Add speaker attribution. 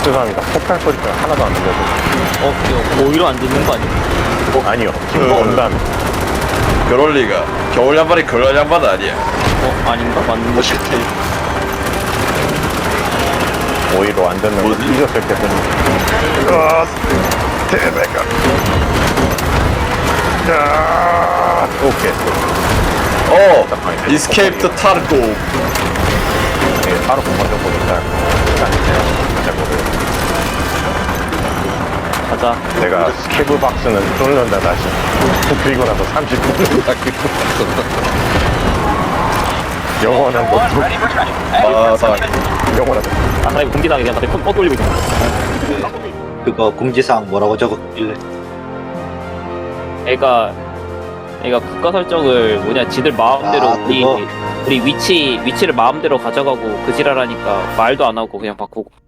Speaker 1: 죄송합니다. 폭탄 소리가 하나도 안 들려서.
Speaker 2: 이거 오히려 안 듣는 거 아니야?
Speaker 1: 아니요. 지금 온다면.
Speaker 3: 그럴 리가. 겨울 양말이 그런 양말 아니야.
Speaker 2: 아닌가? 맞는 거 같아.
Speaker 1: 오히려 안 듣는 거
Speaker 3: 뭐지?
Speaker 1: 잊었을 때 보니. 대배가. 자, 오케이.
Speaker 3: 이스케이프 타르고.
Speaker 1: 네, 바로 먼저 보니까. 잘 모르겠어요.
Speaker 2: 가자.
Speaker 1: 내가 스케브 박스는 뚫는다 다시. 그리고 나서 30분 영원한 못 영원한
Speaker 2: 나 이거 공기당해 그냥 다들 뻥 돌리고 있잖아.
Speaker 4: 그거 공지사항 뭐라고 적었길래?
Speaker 2: 애가 국가 설정을 지들 마음대로
Speaker 4: 아, 그거?
Speaker 2: 우리 위치를 마음대로 가져가고 그 지랄하니까 말도 안 하고 그냥 바꾸고.